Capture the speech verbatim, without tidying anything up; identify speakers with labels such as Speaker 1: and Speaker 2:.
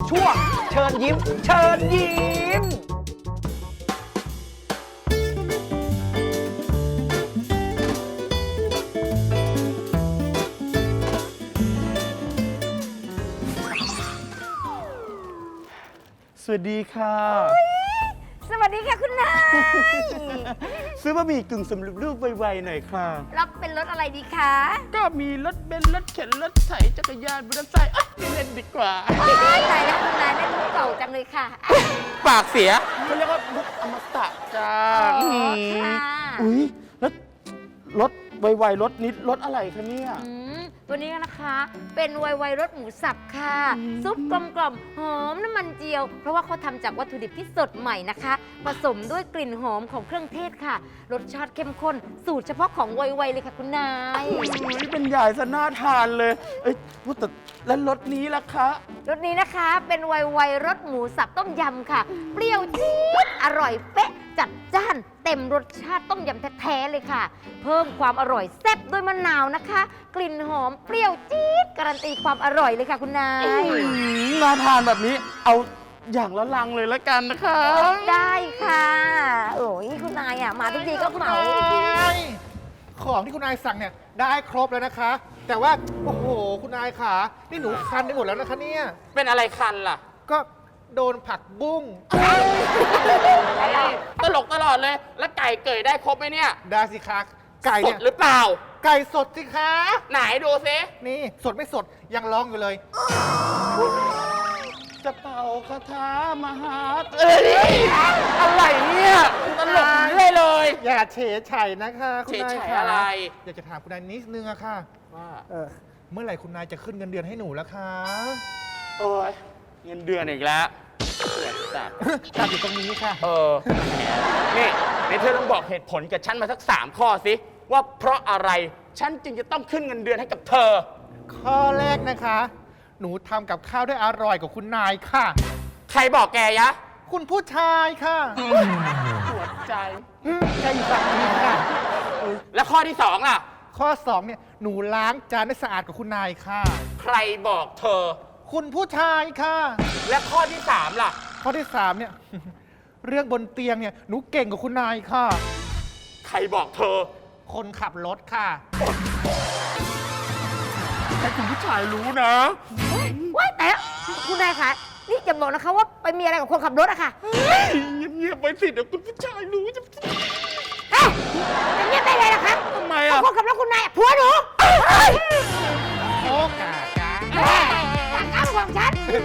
Speaker 1: ช่วงเชิญยิ้ม เชิญยิ้มสวัสดีค่ะ
Speaker 2: สวัสดีค่ะคุณนาย
Speaker 1: ซื้อบะหมี่กึ่งสำเร็จรูปไวๆหน่อยค่ะ
Speaker 2: รับเป็นรถอะไรดีคะ
Speaker 1: ก็มีรถเบนซ์รถเข็นรถไถจักรยานมอเตอร์ไซค์ไม่เล่นดีกว่า
Speaker 2: ตายแล้วคุณนายเล่นมุกเก่าจังเลยค่ะ
Speaker 1: ปากเสียเขาเรียกว่ามุกอมตะจ้า
Speaker 2: อ๋อ
Speaker 1: ม
Speaker 2: ค่ะ
Speaker 1: อุ้ยแล้วรถไวๆรถนิดรถอะไรคะเนี่ย
Speaker 2: อืมตัวนี้นะคะ เป็นไวไวรสหมูสับค่ะ ซุปกลมกล่อมหอมน้ำมันเจียว เพราะว่าเขาทำจากวัตถุดิบที่สดใหม่นะคะ ผสมด้วยกลิ่นหอมของเครื่องเทศค่ะ รสชาติเข้มข้น สูตรเฉพาะของไวไวเลยค่ะคุณนาย
Speaker 1: อุ้ยเป็นใหญ่ซะน่าทานเลยเอ้ยพูดแต่แล้วรถนี้ล่ะคะ
Speaker 2: รสนี้นะคะเป็นไวไวรสหมูสับต้มยำค่ะ เปรี้ยวจี๊ดอร่อยเป๊ะจัดจ้าน เต็มรสชาติต้มยำแท้ๆเลยค่ะ เพิ่มความอร่อยแซ่บด้วยมะนาวนะคะ กลิ่นหอมเปรี้ยวจี๊ดการันตีความอร่อยเลยค่ะคุณนาย
Speaker 1: อืมน่าทานแบบนี้เอาอย่างละลังเลยละกันนะคะ
Speaker 2: ได้ค่ะ โอ้ยคุณนายอ่ะมาทุกทีก็เหมา
Speaker 3: ของที่คุณนายสั่งเนี่ยได้ครบแล้วนะคะ แต่ว่าโอ้โหคุณนายขานี่หนูคันไปหมดแล้วนะคะเนี่ย
Speaker 1: เป็นอะไรคันล่ะ
Speaker 3: ก็โดนผักบุ้ง
Speaker 1: ตลกตลอดเลย แล้วไก่เกยได้ครบไหมเนี่ย
Speaker 3: ได้สิคะไก่
Speaker 1: ส
Speaker 3: เนี่
Speaker 1: ด
Speaker 3: ย
Speaker 1: หรือเปล่า
Speaker 3: ไก่สดสิคะ
Speaker 1: ไหนดูซิ
Speaker 3: นี่สดไม่สดยังร้องอยู่เลย
Speaker 1: จะเป่าคาถามหาเอ้ยอะไรเนี่ยตลกเรื่อยเลย
Speaker 3: อย่าเฉยไฉนะคะคุณนาย
Speaker 1: เฉยไฉ
Speaker 3: ขา
Speaker 1: อะไร
Speaker 3: อยากจะถามคุณนายนิดนึงอะค่ะ
Speaker 1: ว่า
Speaker 3: เออเมื่อไหร่คุณนายจะขึ้นเงินเดือนให้หนูแล้วคะ
Speaker 1: โอ้ยเงินเดือนอีกแล้วเสียจัด
Speaker 3: ตัดอยู่ตรงนี้ค่ะ
Speaker 1: เออนี่ในเธอต้องบอกเหตุผลกับฉันมาสักสามข้อสิ ว่าเพราะอะไรฉันจึงจะต้องขึ้นเงินเดือนให้กับเธอ
Speaker 3: ข้อแรกนะคะ หนูทำกับข้าวได้อร่อยกว่าคุณนายค่ะ
Speaker 1: ใครบอกแกยะ
Speaker 3: คุณผู้ชายค่ะ
Speaker 1: ปวดใจ
Speaker 3: ใจอยู่ฝั่งนี้ค่ะ
Speaker 1: แล้วข้อที่สองล่ะ
Speaker 3: ข้อสองเนี่ยหนูล้างจานได้สะอาดกว่าคุณนายค่ะ
Speaker 1: ใครบอกเธอ
Speaker 3: คุณผู้ชายค่ะ
Speaker 1: และข้อที่สามล่ะ
Speaker 3: ข้อที่สามเนี่ย เรื่องบนเตียงเนี่ยหนูเก่งกว่าคุณนายค่ะ
Speaker 1: ใครบอกเธอ
Speaker 3: คนขับรถค่ะ
Speaker 1: ให้คุณผู้ชายรู้นะ
Speaker 2: ว้ายแต่คุณนายคะนี่อย่าบอกนะคะว่าไปมีอะไรกับคนขับรถอะค่ะ
Speaker 1: เงียบๆไปสิเดี๋ยวคุณผู้ชายรู้จะ
Speaker 2: เอ้าจะเงียบได้ไงล่ะคะ
Speaker 1: ทำไม
Speaker 2: เอา
Speaker 1: อ่ะ
Speaker 2: คนขับรถคุณนายอะผัวหนู
Speaker 1: เฮ้ย